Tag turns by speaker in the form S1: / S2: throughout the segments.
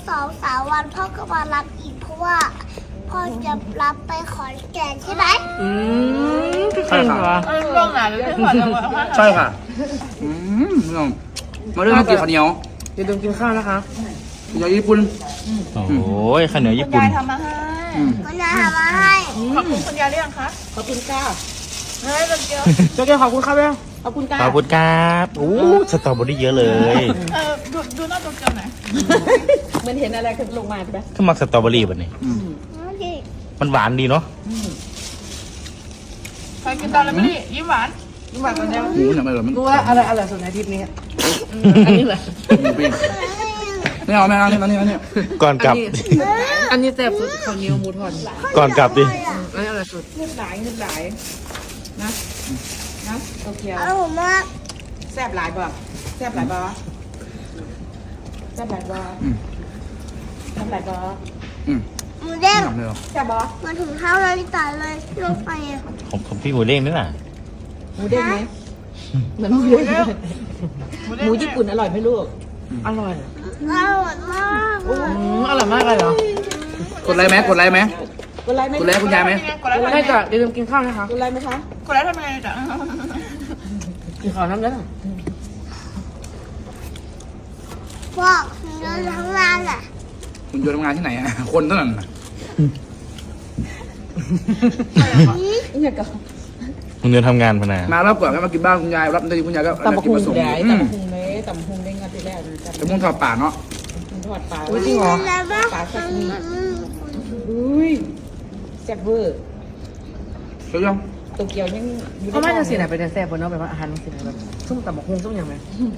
S1: 2-3 วันพ่อก็มารับอีกเพราะว่าพ่อจะรับไปขอนแก่นใช่ไหม
S2: ใช่ค่ะ
S3: ช่วงไหนหรือช่วงไหน
S2: ใช่ค่ะน้องมาเรื่องกินข้าวเหนียว
S4: อย่าลืมกินข้าวนะคะ
S2: ข้าวเหนียวญี่ปุ่น
S5: โอ้ยข้าวเหนียวญี่
S3: คุณ
S5: ปุ่น
S3: ยายทำมาให้
S1: มันจะทำมาให้
S3: ขอบคุณคุณยายหรือยังคะ
S4: ขอบคุณค่ะ
S3: เฮ้ยเป็นเกี๊ยว
S4: เจ้าแก้วขอบคุณครับแม่ขอบคุณค่ะ
S5: ขอบคุณครับโอ้สตรอเบอรี่เยอะเลย
S3: ดูหน้าตัวเกี๊ยวหน่อย
S4: เหมันเห็นอะไรขึ้นลงมาใช่ไหม
S5: ขึ้นมาสตรอเบอรี่แบบนี้ มันหวานดีเนาะ
S3: ใครกินตอนแล้วไม่ได้ยิ้มหวาน
S4: นี่หวานกว่านี้
S2: หมูอย่างไรหรอมัน
S4: รู้ว่าอะไรอร่อยสุดในทริปนี้อันนี้เหรอ
S2: หมูปิ้งไม่เอาไม่เอานี่
S5: ก่อนกลับ
S4: อันนี้แซ่บสุดข้าวเหนียวหมูทอด
S5: ก่อนกลับดิ
S4: อันนี้อร่อยสุดเลือดไหลนะโอเค
S1: อร่อยมาก
S4: แซ่บหลายบ่แซ่บหลายบ่แซ่บหลายบ่แซ่บหลายบ่
S1: หมูเด้ง
S2: ทำเลยหรอ
S4: แซ่บบ่
S1: มาถึงเท้านาฬิกาเลยลงไปอ่ะ
S5: ของพี่หมูเด้งนี่น่ะ
S4: หมูเด้งไหมเหมือนหมูเด้งหมูญี่ปุ่นอร่อยไหมลูกอร่อย
S1: อร่อยมาก
S4: อร่อยมากเลยเหรอก
S2: ดไลค์ไหม
S4: กดไลค์ไหม
S2: กดไลค์คุณยายไหม
S3: กดแล้วทำไง
S4: ไม่จ้ะอย่าลืมกินข้าวนะคะกดไลค์ไหมคะ
S3: กดแล้วทำไงจ๊ะ
S4: กินข้าวน้ำแล้ว
S1: บอกเดินทั้งร้านแหละ
S2: คุณโยนทำงานที่ไหนอ่ะคนเท่านั้นน่ะ
S4: นี่ก็
S5: มึงเดินทำงานพนา
S2: มารับก่อนก็มากินบ้านคุณยายรับได้คุณยายก็
S4: ตำบัก
S2: กิน
S4: หุ่
S2: ผ
S4: ง
S2: สม
S4: ได้ตำบักหุ่งเลยตำบักหุ่งได้งานที่แรก
S2: แต่มุ่งทอดป่าเนาะ
S4: ทอดปลา
S1: จริงเหรอแล้วก็
S4: ปลาสักนิดอุ้ยแซ่บเวอร์
S2: เชื่อยัง
S4: โตเกียวยังเขาไม่จะสิไหนไปแซ่บบนเนาะแบบว่าอาหารสิไหนแบบซุ่มตำบักหุ่งซุ่มอย่างไร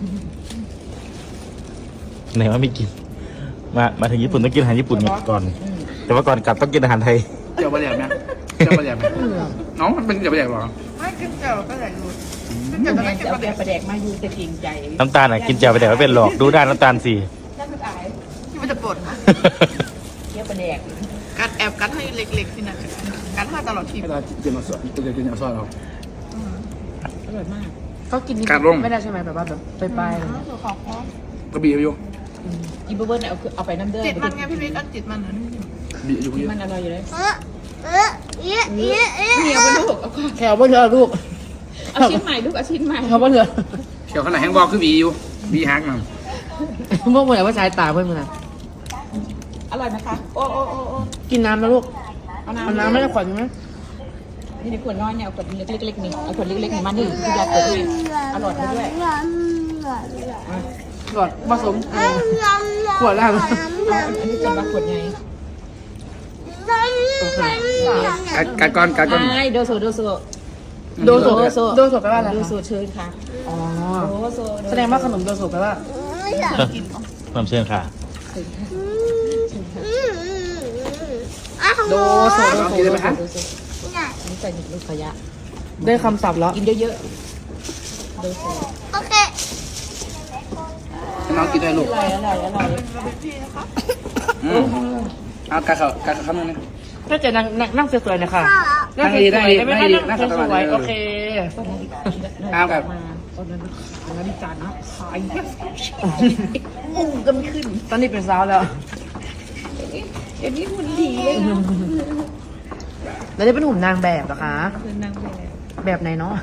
S5: ไหนว่าไม่กิน มาถึงญี่ปุ่นต้องกินอาหารญี่ปุ่นก่อน แต่ว่าก่อนกลับต้องกินอาหารไทย
S2: เจียวปลาแดกไหมเจียวปลาแดกไหมน้องมันเป็นเจียวปลาแดกหรอ
S3: ไม่กินเจียวก็ใส่ดูกินเจียวจะไม่กิน
S4: เอา
S3: ปลา
S4: แก
S3: แดก
S4: งประแดกมาอยู่แต่เก่งใจ
S5: น้ำตาลอ่ะกินแจ่วไปแต่ว่าเป็นหลอกดูด้านน้ำตาลสิ
S4: น่าจะอาย
S3: ที่มันจะปวดนะ
S4: เกี๊ยวประแดก
S3: กัดแอบกัดให้เล็กๆที่นั่นกัดให้ตลอดที
S2: ให้เราเจียวมาสดเจียวกินเอาซอสเรา
S4: อร่อยมากเขากินนี่ไม่ได้ใช่ไหมแบบว่าแบบไป
S3: ตัวขอบคอก
S2: ระบี่อยู่
S4: กินเบอร์เนี่ยเอาไปน้ำเดือด
S3: จิตมันไงพี่บิ๊กอันจิตมันนะ
S2: บีอยู่ที่
S4: มันอร่อยอยู่เลย
S1: เอ๊ะ
S4: เหนียวไปลูกเอาแขวบนเรือลูกเอาชิ้นใหม่ลูกเอาชิ้นใหม่แขวบนเรือ
S2: เขียวขนาดแห้งบอกคือบีอยู่บีฮักมัน
S4: พวกมันว่าสายตาเพื่อนมันอร่อยนะคะโอ้กินน้ำนะลูกเอาน้ำไม่ได้ขวดไหมนี่ในขวดน้อยเนี่ยเอาขวดเล็กๆนี่เอาขวดเล็กๆนี่มานึ่งคุณยายเปิดให้อร่อยด้วยขวดผสมขวดแล้วอันนี้จะมาขวดไง
S2: กัดก้อน
S4: โดโซแปลว่าอะไรโดโซเชิญค่ะอ๋อแสดงว่าขนมโดโซแปลว่า
S5: ความเชื่อค่ะ
S4: โดโซนี่ใส่ลูกขยะได้คำศัพท์แล้วกินเยอะๆโดโซ
S1: โอเค
S2: น้องกินได้ลูก
S4: อร่อย
S2: เอากัดคำนึงนะ
S4: ถ้าจะนั่งสวยๆนะคะ
S2: นั่งดีไม่ได้นั่งสวย
S4: โอเค
S2: เอากับ
S4: งั้นจานนะขายก็ไม่ขึ้นตอนนี้เป็นสาวแล้วเดี๋ยวนี้หุ่นดีเลยแล้วได้เป็นหุ่นนางแบบเหรอคะเป็นนางแบบไหนเนาะ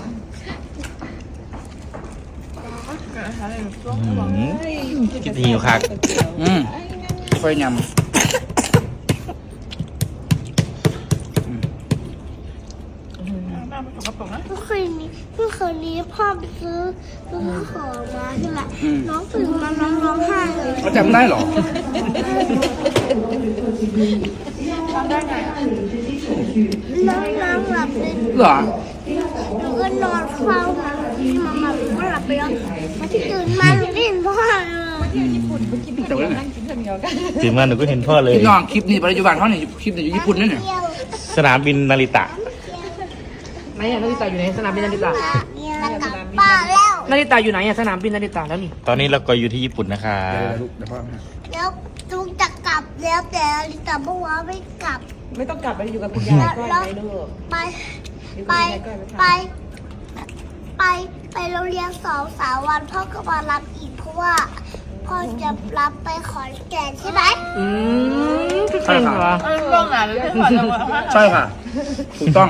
S5: กินทีอยู่คัก
S2: ค่อยยำ
S1: เมื่อคืนนี้พ่อไปซื้อของมาใช่ไหมน้องตื่นมาน้องร้องไห้เลย
S2: เขาจำได้หรอ
S3: ทำได้ไง
S1: น้องหลับเลย
S2: เหรอ
S1: หนูก็นอนเฝ้ามันมาก็หลับไปแล้วพอที่ตื่นมาหนูได้เห็นพ่อเลย
S2: แต่ว่า
S5: ถึงมาหนูก็เห็นพ่อเลย
S2: พี่น้องคลิปนี้ปัจจุบันเขาเนี่ยคลิปนี้อยู่ญี่ปุ่นนั่นเนี่ย
S5: สนามบินนาริตะ
S4: ไหนนาฬิตาอยู่ไหนสนามบินนาฬิตาก
S1: ลับบ้านแล้ว
S4: นาฬิตาอยู่ไหนสนามบินนาฬิตาแล้วนี่
S5: ตอนนี้เราก็อยู่ที่ญี่ปุ่นนะคะ
S2: เดี๋ยวพ่อ
S1: แล้วลุงจะกลับแล้วแต่ลิตาบอกว่าไม่กลับ
S4: ไม่ต้องกลับไปอยู่กับคุณยายก็ได้ลูก
S1: ไปไปโรงเรียน2-3 วันพ่อก็มารับอีกเพราะว่าก็จะรับไปขอนแก่นใช่ไหม
S2: ใช่ค่ะ
S3: เรื่องไหนเลยที่ขอจะมา
S2: ใช่ค่ะ ถูกต้อง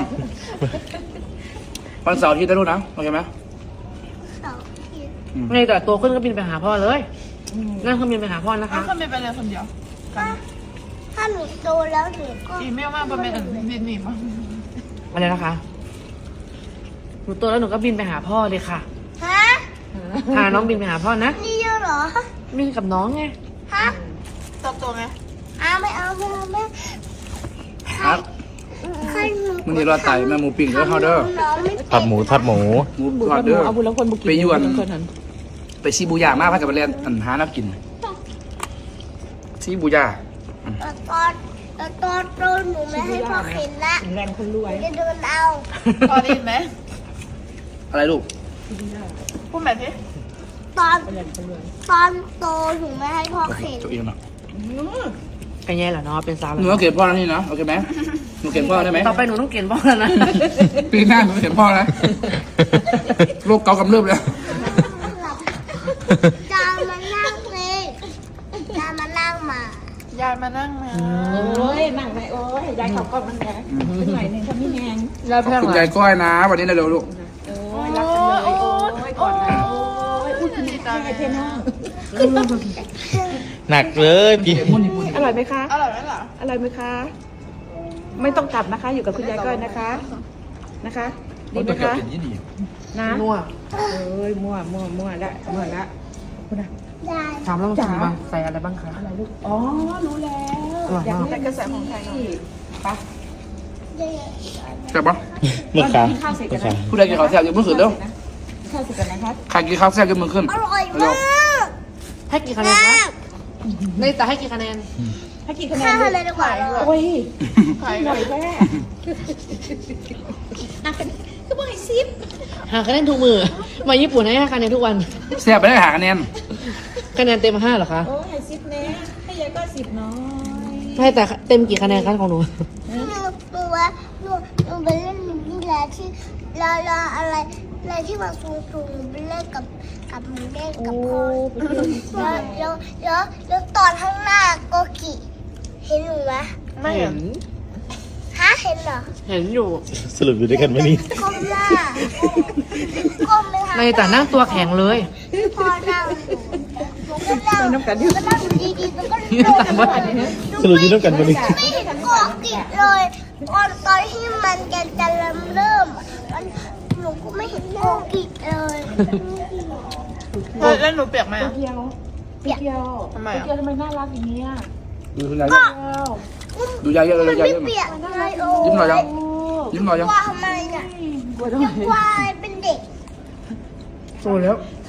S2: วันเสาร์อาที่ได้รู้นะ โอเคไหม
S1: เสาร์อาทิตย์
S4: ไงแต่โตขึ้นก็บินไปหาพ่อเลยนั่งเครื่องบินไปหาพ่อนะคะ
S3: ถ้าไม่ไปเลยคนเดียว
S1: ถ้าหนูโตแล้วหนูก็
S3: อีเมลมากเป็นดินหนีมั้ง
S4: อะไรนะคะหนูโตแล้วหนูก็บินไปหาพ่อเลยค่ะ
S1: ฮะ
S4: พาน้องบินไปหาพ่อนะ
S1: นี่เยอะเหรอ
S4: บินกับน้องไง
S1: ฮะ
S3: โตไง
S1: ไม่เอาแม่
S2: ครับ
S1: ใครหนู
S2: มันนี่รอไต่แม่หมูปิ้งเด้อเฮาเด้อ
S1: น้องไม่
S5: ทอดหมูทอดหมู
S2: หมูทอดเด้อ
S4: เอาบุญแล้วคนบุกิ
S2: ไปยวน
S4: คนนั้น
S2: ไปซีบูยามากพักกับไปเรียนหาน้ำกินซีบูยา
S1: แต่ตอนโตหนูไม่ให้พ่อเข็นละ
S4: แรงคนรวย
S1: จะเดินเอา
S3: พอได้ยินไหม
S2: อะไรลูก
S3: พูดแบบนี้
S1: ตอนโตหนูไม่ให้พ่อเข็น
S2: ตัวเองเนาะ
S4: กันแย่แหละเนาะเป็นสาว
S2: หนูต้องเกลียดพ่อแล้วนี่นะโอเคไหมหนูเกลียดพ่อได้ไหม
S4: ต่อไปหนูต้องเกณฑ์พ่อแล้วนะ
S2: ปีหน้าหนูเกลียดพ่อนะโรคเกาต์กำเริบแล้ว
S1: จามานั่งเลยจามานั่งมา
S3: ยายมานั่งมา
S4: โอ้ยนั่งไปโอ้ยยายเขาก็มันแรงหน่อยหนึ่งเขาไม่แรงแล้ว
S2: ข
S4: แพ
S2: อบ
S4: ง
S2: คุณ
S4: เหร
S2: ยา
S4: อย
S2: ก้อยนะ วันนี้นะเร็วลูก
S4: โอ้ยรักกันเลยโอ้ยกอดกันโอ้ยอุ้ยดีใจเทน้อง
S5: หนักเลยพี่
S4: อร่อยไหมคะ
S3: อร่อยไหมล่ะ
S4: อร่อยไหมคะ ไม่ต้องกลับนะคะ อยู่กับคุณยายก้อยนะคะนะคะดีไหมคะนะมั่วเอ้ยมั่วละคุณอะ
S1: ได้
S4: ถามลองชิมมาใส่อะไรบ้างคะอะไรลูกอ๋อรู้แล้วอยากรู้แต่กระแสของไทยปะ
S1: ได้
S2: ใช่ปะ
S5: เมื่อค้า
S4: ข้าวเสร็จ
S5: เมื่
S4: กั
S5: อน ค้า
S4: นะ
S2: ผู้ใดกินข้าวแซ่บยกมือขึ้นเร็ว
S4: ข้าวเสร็จกันนะครับ
S2: ใครกินข้าวแซ่บยกมือขึ้น
S1: อร่อย
S2: เร็
S1: มาว ก
S4: ให้กี่คะแนนคะในแต่ให้กี่คะแนนให้กี่คะแนน
S1: ข้าวเลยดีกว่า
S4: โอ้ย
S3: ใคร
S4: หน่อยแม่ก็บอกให้ซิปหาคะแนนทุกมือมาญี่ปุ่นให้5คะแนนทุกวัน
S2: แซ่บไปได้หาคะแนน
S4: คะแนนเต็ม5เหรอคะ
S3: โอ้ให้ซิปเน่ให้ยายก็10น้อย
S4: ให้แต่เต็มกี่คะแนนคะของหนู
S1: หนูไปเล่นนี่แหละที่ลาอะไรที่มันสูงไปเล่นกับหมูเด้งกับพ่อแล้วตอนข้างหน้าโกกิเห็นหนูไหม
S3: ไม่เห็น
S1: ฮะเห็นเหรอ
S4: เห็นอยู่
S5: สรุปอยู่ด้วยกันไหมนี่
S1: ก้มหน้าก้มไปทาง
S4: ในแต่นั่งตัวแข็งเลย
S1: พ่อนั่งหนูก็นั่งอยู่ดีๆแล้วก็โดน
S5: สรุปอยู่ด้วยกันไหมนี่
S1: ไม่เห็นโกกิเลยตอนที่มันจะเริ่มหนูก็ไม่เห็นโกกิเลย
S3: แล้วหนูเปียกไหมอะ
S4: เกียวเกียว
S3: ทำไมอะ
S4: เกียวทำไมน่ารักอย่างนี้อ่ะ
S2: ดูคุณยายดูยายเยอะเลย
S1: มัน
S2: ยาย
S1: ไม่
S2: เยอะ
S1: เปียกเลยโอ้
S2: ยิ้มหน่อยยังยิ้มหน่อยยัง
S1: ว่าทำไมเนี่ย
S4: กลัวทำไม
S1: ว่าเป็นเด็ก
S2: โตแล้ว